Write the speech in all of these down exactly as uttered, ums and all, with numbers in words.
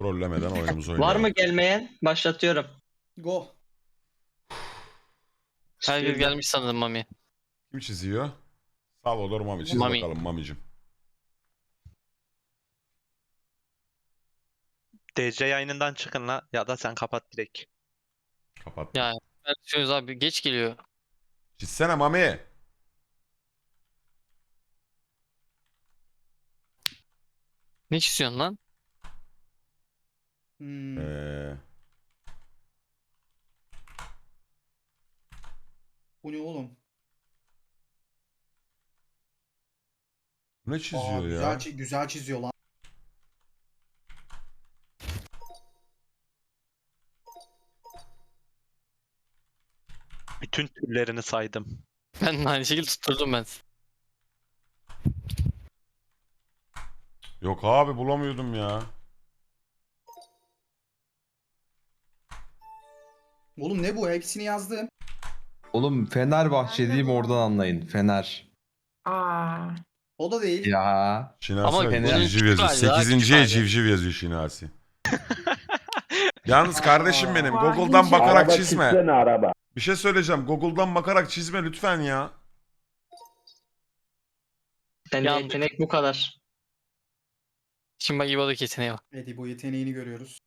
Trollemeden oyunumuzu oynayalım. Var mı gelmeyen? Başlatıyorum. Go. Herkes gelmiş sanırım Mami. Kim çiziyor? Salvador Mami. Çiz Mami. bakalım Mami'cim. D C yayınından çıkın la ya da sen kapat direkt. Kapat. Ya ben düşünüyoruz abi geç geliyor. Çizsene Mami. Ne çiziyorsun lan? Hmm. Ee, Bu ne oğlum? ne Aa, çiziyor güzel, ya? çi- güzel çiziyor lan. Bütün türlerini saydım. Ben de aynı şekilde tutturdum ben. Yok abi bulamıyordum ya. Oğlum ne bu? Hepsini yazdım. Oğlum Fenerbahçe diyeyim oradan anlayın. Fener. Aa. O da değil. Ya. Şinasi Ama civciv bunun yazıyor. küçük hali daha sekizinciye küçük hali. civciv yazıyor Şinasi. Yalnız kardeşim benim Vay, Google'dan ince. bakarak Araba çizme. çizsene araba. Bir şey söyleyeceğim. Google'dan bakarak çizme lütfen ya. Bende Yandık. yetenek bu kadar. Şimdi bak İbo'daki yeteneğe bak. Edi bu yeteneğini görüyoruz.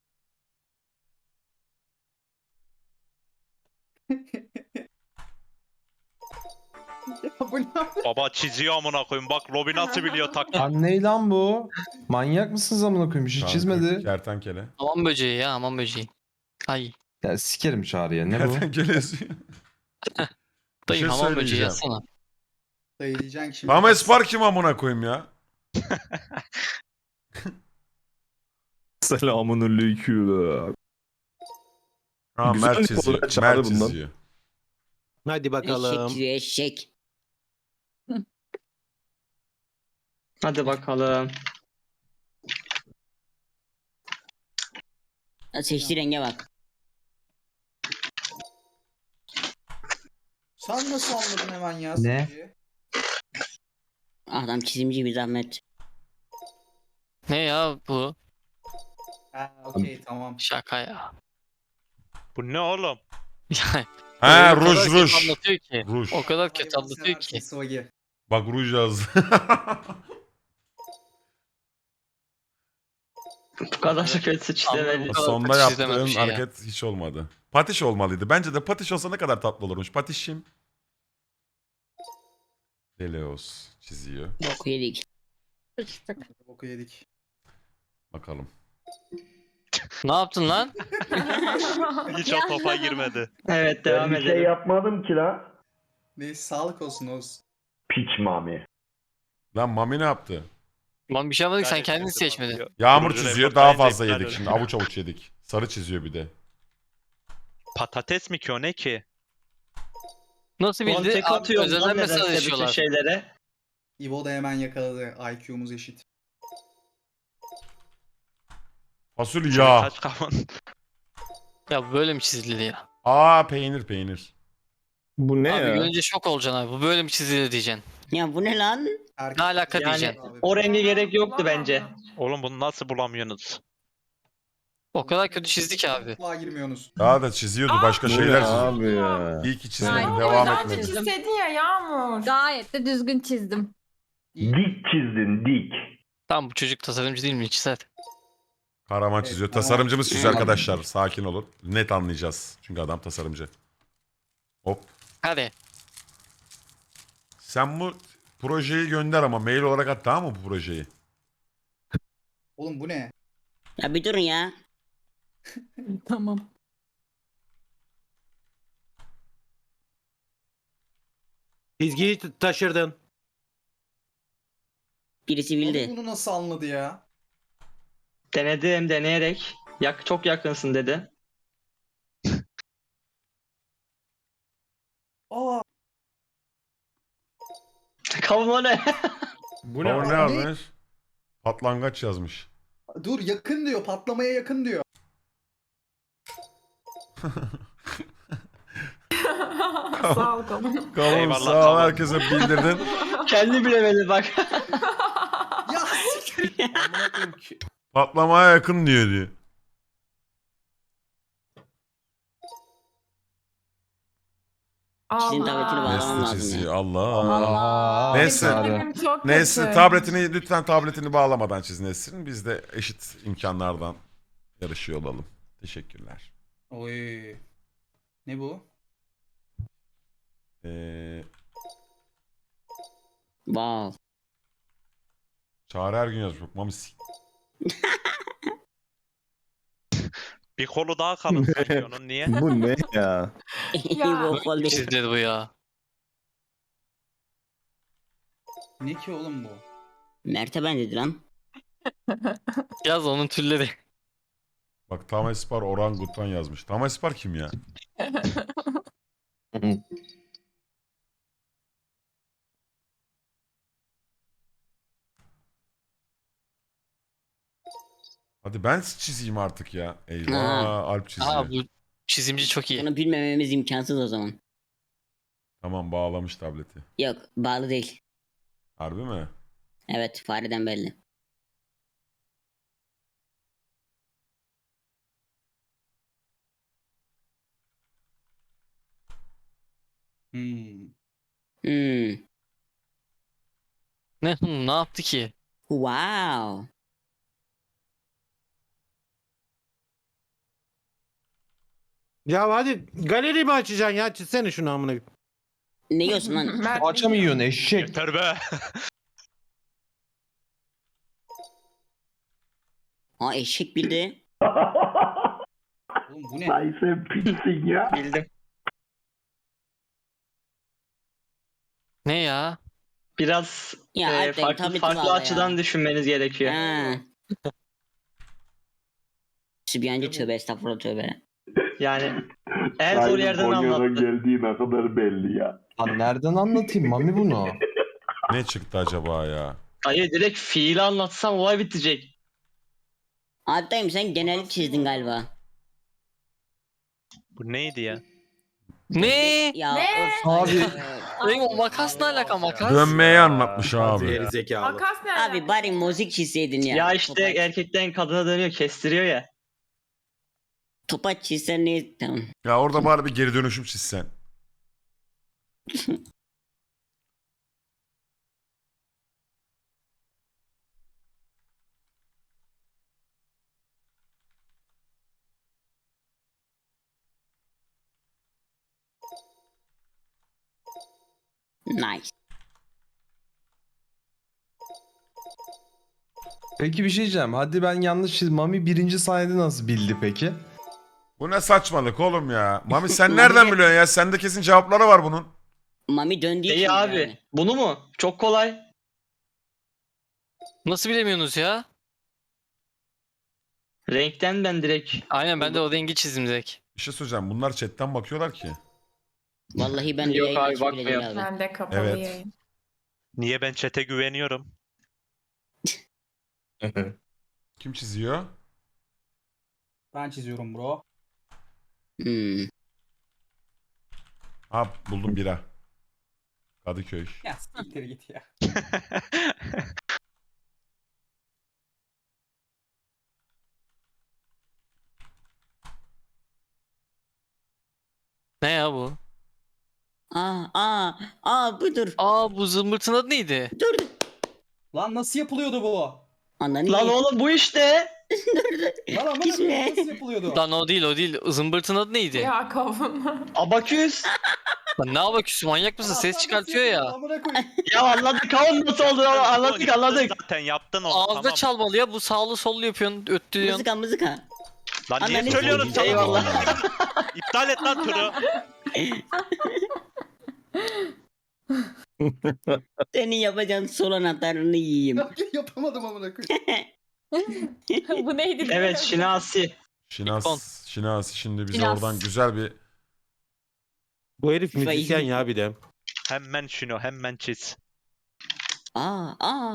Ya bu ne? Baba çiziyor amına koyayım. Bak Robin nasıl biliyor tak. Lan ne lan bu? Manyak mısınız amına koyayım? Bir şey Kanka, çizmedi. Kertenkele. Hamam böceği ya hamam böceği. Ay. Ya sikerim Çağrı'ya. Ne bu? Kertenkele yazıyor. Dayı şey hamam böceği söyleyeceğim. yazsana. Dayılayacaksın şimdi. Tam Espar kim amına koyayım ya? Selamun aleyküm. Ha Güzel Mert bir çiziyor. olarak çağırdı Mert bundan. çiziyor. Hadi Eşek bakalım. çiziyor eşek. Hadi bakalım. Ya seçtiği renge bak. Sen nasıl anladın hemen ya? Ne? Sıkıcı? Adam çizimci bir zahmet. Ne ya bu? Ha okey tamam. Şaka ya. Bu ne oğlum? Yani Ha o kadar ruj kötü ruj. anlatıyor ki. Ruj. O kadar kötü Hayvan anlatıyor seversin ki. Swaggy. Bak ruj yazdı. Bu kadar kötü çizemedi. Anladım. kadar Sonda patiş yaptığın izlemem bir şey ya. hareket hiç olmadı. Patiş olmalıydı. Bence de patiş olsa ne kadar tatlı olurmuş. Patişim. Deleos çiziyor. Boku yedik. Boku yedik. Bakalım. Ne yaptın lan? Hiç o topa girmedi. Evet Ben devam bir şey edelim. yapmadım ki la. Neyse sağlık olsun Oğuz. Piç mami. Lan Mami ne yaptı? Lan bir şey yapmadık sen Gayet kendini çizdim seçmedin. abi. Yağmur Ruju çiziyor. report Daha bence fazla iptal yedik oldu. şimdi. Avuç avuç yedik. Sarı çiziyor bir de. Patates mi ki o ne ki? Nasıl bildi? Kontek Abi atıyorum özelden lan nedense bütün mesajlaşıyorlar. şeylere. İbo da hemen yakaladı. I Q'muz eşit. Fasulye yağ. Kaç kafan. Ya böyle mi çizildi ya? Aa peynir peynir. Bu ne Abi ya? görünce şok olacaksın abi. Bu böyle mi çizildi diyeceksin. Ya bu ne lan? Erkek Ne alaka yani, diyeceksin? abi. O rengi gerek yoktu bence. Oğlum bunu nasıl bulamıyorsunuz? O kadar kötü çizdi ki abi. Mutfağa girmiyorsunuz. Daha da çiziyordu. Başka Bu ne şeyler çiziyordu. abi ya? İyi ki çizmedi. Aynen. Devam Güzel etmedi. çizseydin ya Yağmur. Gayet de düzgün çizdim. Dik çizdin dik. Tamam bu çocuk tasarımcı değil mi? Çizer. Karaman Evet, çiziyor. Karaman Tasarımcımız çiziyor. çiziyor arkadaşlar. Sakin olun. Net anlayacağız. Çünkü adam tasarımcı. Hop. Hadi. Sen bu projeyi gönder ama mail olarak at, tamam mı bu projeyi? Oğlum bu ne? Ya bir durun ya. Tamam. Çizgiyi t- taşırdın. Birisi Oğlum bildi. bunu nasıl anladı ya? Denedim deneyerek. Yak çok yakınsın dedi. Aa Kavma ne? Bu Ne, ne abi? yazmış? Patlangaç yazmış. dur yakın diyor. Patlamaya yakın diyor. Sağ ol kavun. Kavun Eyvallah, sağ ol, kavun. herkese bildirdin. Kendi bilemedi bak. Ya siktir. Amına koyayım ki. Patlamaya yakın diyor diyor. Çizim tabletini Allah. bağlamam Nesli lazım çiziyor. ya. Allah. Allah. Neyse. Benim çok Nesli kötü. tabletini lütfen tabletini bağlamadan çiz Nesrin. Biz de eşit imkanlardan yarışıyor olalım. Teşekkürler. Oy. Ne bu? Ee, Wow. Çağrı her gün yazmış. Bak, Mami s- Bir kolu daha kalın sanki onun niye? Bu ne ya? Ya. Bu kol değil. Çizdi bu ya. Ne ki oğlum bu? Mert'e benzedi lan. Yaz onun türleri. Bak Tamespar orangutan yazmış. Tamespar kim ya? Hadi ben çizeyim artık ya. Eyvah, Ha. Alp çiziyor. Aa bu çizimci çok iyi. Bunu bilmememiz imkansız o zaman. Tamam, bağlamış tableti. Yok bağlı değil. Harbi mi? Evet fareden belli. Hmm. Hmm. Ne, hı, ne yaptı ki? Wow. Ya hadi galeri mi açacaksın ya? Çizsene şunu amına. Ne yiyorsun lan? Mert Poğaça mı yiyorsun eşek? Yeter be. Aa eşek bildi. Oğlum bu ne? Ay sen pissin ya. Bildim. Hmm. Ne ya? Biraz Ya e, Alp dayı, farklı tableti farklı bağla açıdan ya. düşünmeniz gerekiyor. Ha. Sübyancı tövbe estağfurullah tövbe. Yani en zor yerden Konya'dan anlattı. geldiği ne kadar belli ya. Lan nereden anlatayım Mami bunu? Ne çıktı acaba ya? Hayır, direkt fiili anlatsam olay bitecek. Alp dayım sen genel çizdin galiba. Bu neydi ya? Ne? Ya Ne? of. Abi. Benim o makas ne alaka makas? Dönmeyi anlatmış abi. Geri zekalı. Makas ne? Abi bari müzik çizseydin ya. Ya, işte Topaç, erkekten kadına dönüyor, kestiriyor ya. topaç çizsen ne? Tamam. Ya orada bari bir geri dönüşüm çizsen. Nice. Peki bir şey diyeceğim. Hadi ben yanlış çiz. Mami birinci saniyede nasıl bildi peki? Bu ne saçmalık oğlum ya? Mami sen nereden biliyorsun ya? Sende kesin cevapları var bunun. Mami döndüğü için İyi abi. yani. Bunu mu? Çok kolay. Nasıl bilemiyorsunuz ya? Renkten ben direkt. Aynen ben de o rengi çizdim direkt. Bir şey söyleyeceğim. Bunlar chatten bakıyorlar ki. Vallahi ben de Yok yayın abi, açıp bile değil bakmıyor. abi. Ben de kapalı Evet. yayın. Niye ben chat'e güveniyorum? Kim çiziyor? Ben çiziyorum bro. Hmm. Ha, buldum bira. Kadıköy. Ya siktir git ya. Ne ya bu? Aa aa aa budur. Aa bu zımbırtın adı neydi? Dur. Lan nasıl yapılıyordu bu? Ananı Lan ye- oğlum bu işte. Lan ama Gitme. nasıl yapılıyordu? Lan o değil o değil. Zımbırtın adı neydi? Ya kavun. Abaküs. Lan ne yapaküsü manyak mısın? Ses çıkartıyor ya. Amına koyayım. Ya anladık, kavun nasıl oldu anladık Yaptın anladık. Zaten yaptın onu. Ağızda tamam. çalmalı ya. Bu sağlı sollu yapıyorsun. Öttürüyorsun. Mızıka mızıka. Lan niye Ananı söylüyorsun sikeyim. sana? Eyvallah. İptal et lan turu. Senin yapacağın sol anahtarını yiyeyim. Yapamadım amına koyayım. Bu neydi? Evet, Şinasi. Şinas, Şinas şimdi bize Şinas. oradan güzel bir... Bu herif Faiz müzisyen mi? ya bir de. Hemen şunu hemen çiz. Aa aa.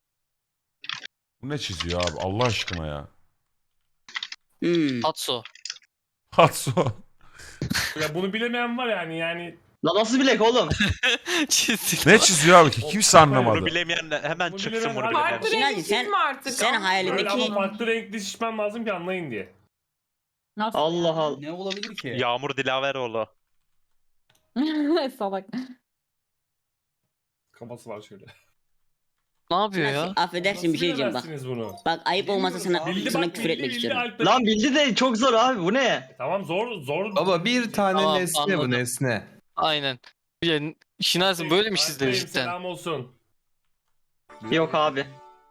Bu ne çiziyor abi Allah aşkına ya? Hmm. Tatsu. Hatso. Ya bunu bilemeyen var yani yani. La nasıl bilek oğlum? Çizdi. Ne çiziyor abi ki? Kimse Bunu anlamadı. bilemeyen de hemen Bunu çıksın bilemeyen bunu abi. bilemeyen. Farklı Şinasi, renk sen- çizme artık. sen Ama- hayalindeki- Böyle ama farklı renkli şişmem lazım ki anlayın diye. Nasıl? Allah Allah. Ne olabilir ki? Yağmur Dilaveroğlu. Salak. Kafası var şöyle. Ne yapıyor ya? Affedersin bir şey diyeceğim bak. bilemezsiniz bunu? Bak ayıp olmasa sana, Bildi sana bak küfür bildi etmek bildi. istiyorum. Alp'te- Lan bildi de çok zor abi bu ne? Tamam zor zor. Baba bir tane Tamam, nesne bu anladım. nesne. Aynen. Yani Şinasi böyle mi çizdiler Alp'teyim, cidden? Selam olsun. Yok abi.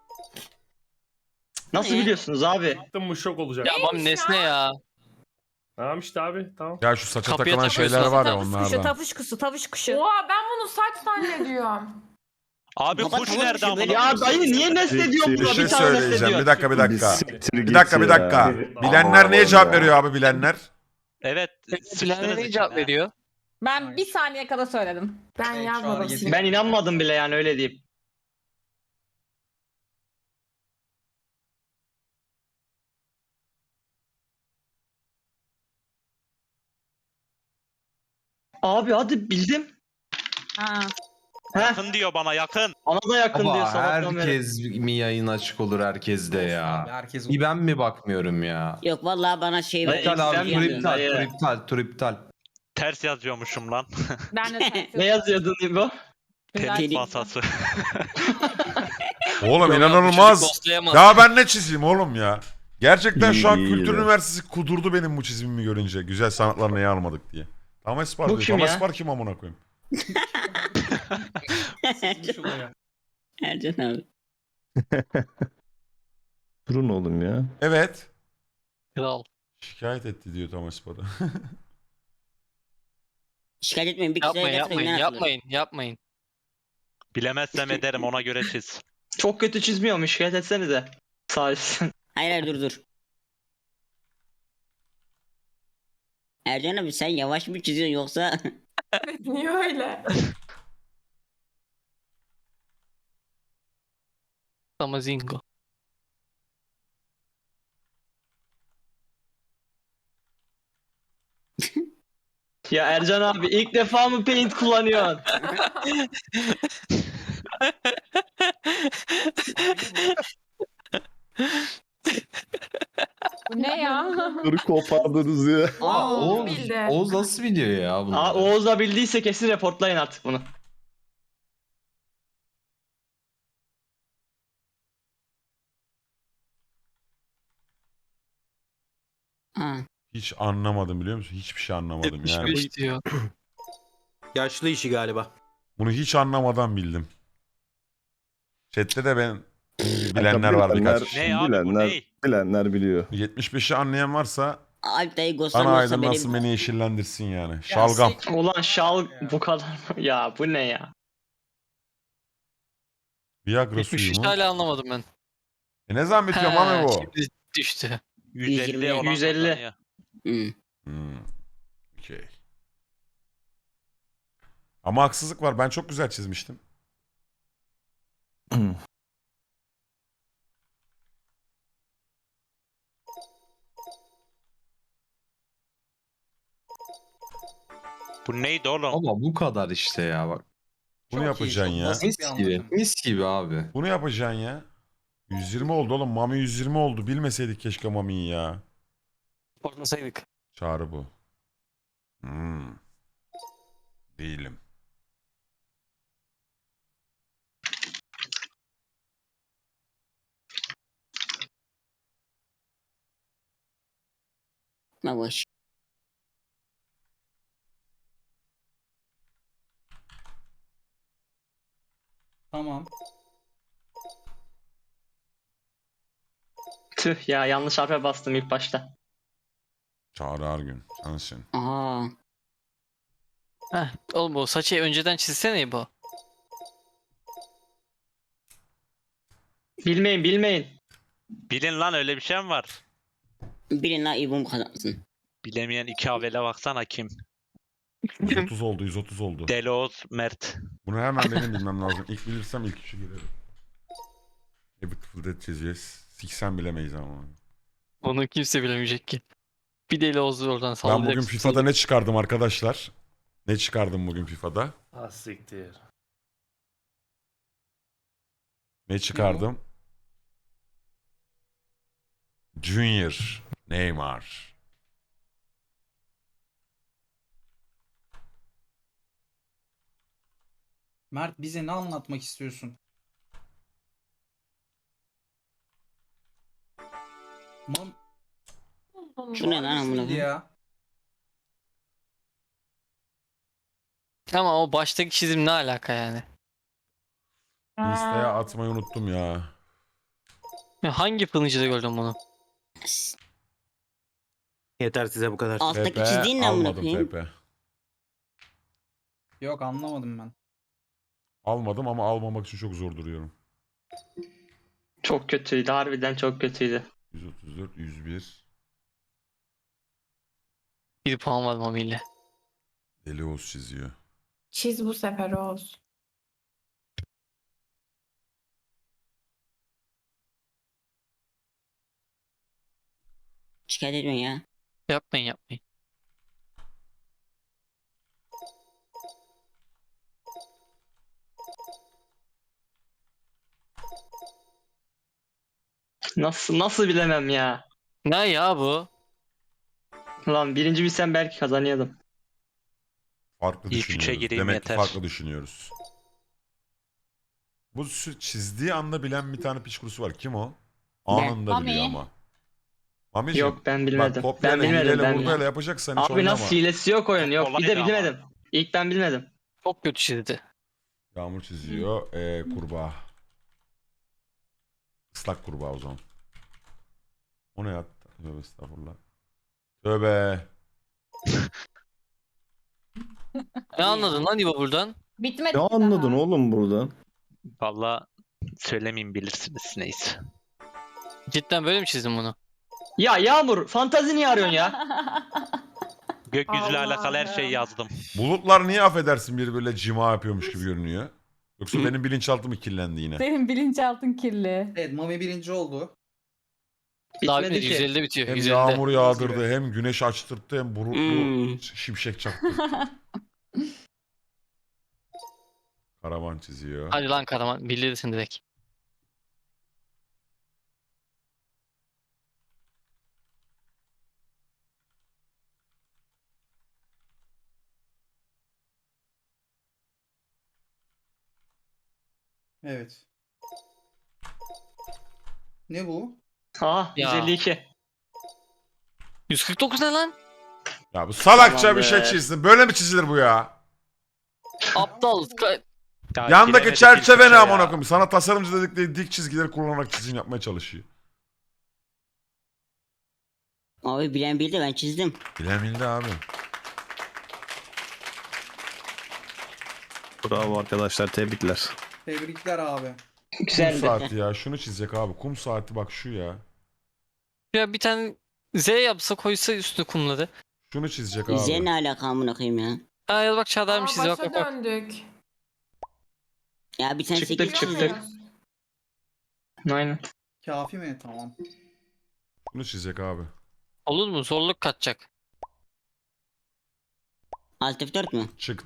Nasıl Ne? biliyorsunuz abi? Baktım bu şok olacak. Ya babam nesne ya. Tamam işte abi tamam. Ya şu saça Kapıya takılan takıyorsun. şeyler var ya Tavuş kuşu, onlardan. tavuş kuşu, tavuş kuşu. Oha ben bunu saç zannediyorum. Abi Baba, kuş tamam nerede işte böyle- amına? Ya dayı niye nesne diyor Bir buna? şey Bir tane nesne söyleyeceğim. diyor. Bir dakika bir dakika. Siktir Bir git dakika bir ya. dakika. Bilenler neye cevap veriyor abi bilenler? Evet. Bilenler sıçtınız ne cevap içine. veriyor? Ben bir saniye kadar söyledim. Ben Evet, şu yazmadım. an yetin- Ben inanmadım bile yani öyle diyeyim. Abi hadi bildim. Ha. Heh, Yakın diyor bana yakın. ona da yakın diyor Baba sabahtan beri. herkes mi yayın açık olur herkeste Abi, ya. herkes Bir ben mi bakmıyorum ya? Yok vallahi bana şey Dayı, İptal sen abi tur bilmiyorsun iptal dayı. tur iptal tur iptal. Ters yazıyormuşum lan. Ben de Ne yazıyordun İbo? Tenis Deli- masası. Oğlum Yok abi, inanılmaz. çocuk ghostlayamaz. Ya ben ne çizeyim oğlum ya? Gerçekten şu an İyi, iyi Kültür de. Üniversitesi kudurdu benim bu çizimimi görünce. Güzel sanatlar neye almadık diye. Tam Espar Bu diyor. kim Tam ya? Espar kim amına koyayım? Ercan abi. Durun oğlum ya. Evet. Kral. Şikayet etti diyor Tam Espar'a. Şikayet etmeyin bir kişi Yapmayın gelsin yapmayın oyundan atılır. yapmayın yapmayın. Bilemezsem ederim ona göre çiz. Çok kötü çizmiyormuş şikayet etsenize. Sağ olsun. Hayır hayır dur dur. Ercan abi sen yavaş mı çiziyorsun yoksa? Evet, niye öyle? Tamazingo. Ya Ercan abi ilk defa mı paint kullanıyorsun? Bu ne ya? Dur kopardınız ya. Aa, Oğuz, bildi. Oğuz nasıl biliyor ya bunu? Aa, Oğuz da bildiyse kesin reportlayın artık bunu. Ha. Hiç anlamadım biliyor musun? Hiçbir şey anlamadım yetmiş yani. beş diyor. Yaşlı işi galiba. Bunu hiç anlamadan bildim. Chat'te de ben bilenler var birkaç kişi. Ne abi bu Bilenler- ne? Bilenler biliyor. yetmiş beşi anlayan varsa Alp dayı ana ghostlamıyorsa aydınlansın benim... beni yeşillendirsin yani. Şalgam. Ulan şal bu kadar mı? Ya bu ne ya? Viagra yetmiş suyu üç mu? hala anlamadım ben. E ne zaman bitiyor mami bu? Şimdi düştü. yüz elli olan yüz elli. kazanıyor. Hmm. Hmm. Okey. Ama haksızlık var. Ben çok güzel çizmiştim. Bu neydi oğlum? Ama bu kadar işte ya bak. Bunu Çok iyi, yapacaksın çok ya. basit bir Mis gibi. anlatım. Mis gibi abi. Bunu yapacaksın ya. yüz yirmi oldu oğlum. Mami yüz yirmi oldu. Bilmeseydik keşke Mami'yi ya. Korkmasaydık. Çağrı bu. Hmm. Değilim. Ma boş. Tamam. Tüh ya yanlış harfe bastım ilk başta. Çağrı Ergün. Sensin. Aa. Heh, oğlum bu saçı önceden çizsene bu. Bilmeyin bilmeyin. Bilin lan öyle bir şey mi var? Bilin la İbum kazansın. Bilemeyen iki avele baksana kim? yüz otuz oldu. yüz otuz oldu. Deloz Mert. Bunu hemen benim bilmem lazım. İlk bilirsem ilk üçü girerim. A Beautiful Dead çizeceğiz. Siksen bilemeyiz ama. Onu kimse bilemeyecek ki. Bir deli Oğuz'u oradan sallayacak. Ben bugün FIFA'da ne çıkardım arkadaşlar? Ne çıkardım bugün FIFA'da? Ah siktir. Ne çıkardım? Junior Neymar. Mert bize ne anlatmak istiyorsun? Mam Şu ne lan amına Hangisiydi koyayım? ya? Ama o baştaki çizim ne alaka yani? Insta'ya atmayı unuttum ya. Ya hangi fırıncıda gördün bunu? Yeter size bu kadar. Alttaki F P çizdiğin ne amına almadım koyayım? F P. Yok anlamadım ben. Almadım ama almamak için çok zor duruyorum. Çok kötüydü. Harbiden çok kötüydü. yüz otuz dört, yüz bir. Bir puan var Mami ile. Deli Oğuz çiziyor. Çiz bu sefer Oğuz. Şikayet ediyorsun ya. Yapmayın yapmayın. Nasıl nasıl bilemem ya. Ne ya bu? Lan birinci bilsem belki kazanıyordum. Farklı İlk üçe düşünüyoruz. gireyim Demek yeter. ki farklı düşünüyoruz. Bu sü- çizdiği anda bilen bir tane piç kurusu var. Kim o? Anında Mami. biliyor ama. Mami'ciğim, Yok ben bak bilmedim. Ben kopyayla bilmedim. hileyle Ben buradayla yapacaksan hiç Abi oynama. nasıl hilesi yok oyun yok. Bir de Kolaydı ama. bilmedim. İlk ben bilmedim. Çok kötü çizdi. Yağmur çiziyor. Ee, kurbağa. Islak kurbağa o zaman. O ne ya? Tövbe estağfurullah. Tövbe. Ne anladın lan İbo buradan? Bitmedi. Ne anladın oğlum buradan? Valla söylemeyeyim bilirsiniz neyse. Cidden böyle mi çizdin bunu? Ya Yağmur fantazi niye arıyorsun ya? Gökyüzüyle alakalı her şeyi Allah'ım. yazdım. Bulutlar niye affedersin biri böyle cima yapıyormuş gibi görünüyor? Yoksa benim bilinçaltım mı kirlendi yine? Senin bilinçaltın kirli. Evet Mami birinci oldu. Daha Bitmedi bitmedi. ki. yüz ellide bitiyor. Hem yüz ellide. yağmur yağdırdı, hem güneş açtırttı, hem bulutlu Hmm. şimşek çaktı. Karavan çiziyor. Hadi lan Karaman bilirsin direkt. Evet. Ne bu? Aa Ya. yüz elli iki. yüz kırk dokuz ne lan? Ya bu salakça bir şey Tamamdır. çizdin. Böyle mi çizilir bu ya? Aptal. Ka- Ya Yandaki giremedik ilk çerçeve üçe ne ya. amına koyayım? Sana tasarımcı dedikleri dik çizgileri kullanarak çizim yapmaya çalışıyor. Abi bilen bildi ben çizdim. Bilen bildi abi. Bravo arkadaşlar, tebrikler. Tebrikler abi. Kum Güzeldi. saati ya. Şunu çizecek abi. Kum saati bak şu ya. Ya bir tane Z yapsa koysa üstüne kumları. Şunu çizecek Bize abi. ne alaka amına koyayım ya? Ha ya da bak Çağlar Aa, mı çiziyor bak başa bak bak. döndük. Ya bir tane Çıktık, sekiz çıktık. çizdim. Aynen. Kafi mi? Tamam. Şunu çizecek abi. Olur mu? Zorluk katacak. Alt F dört mü? Çıktı.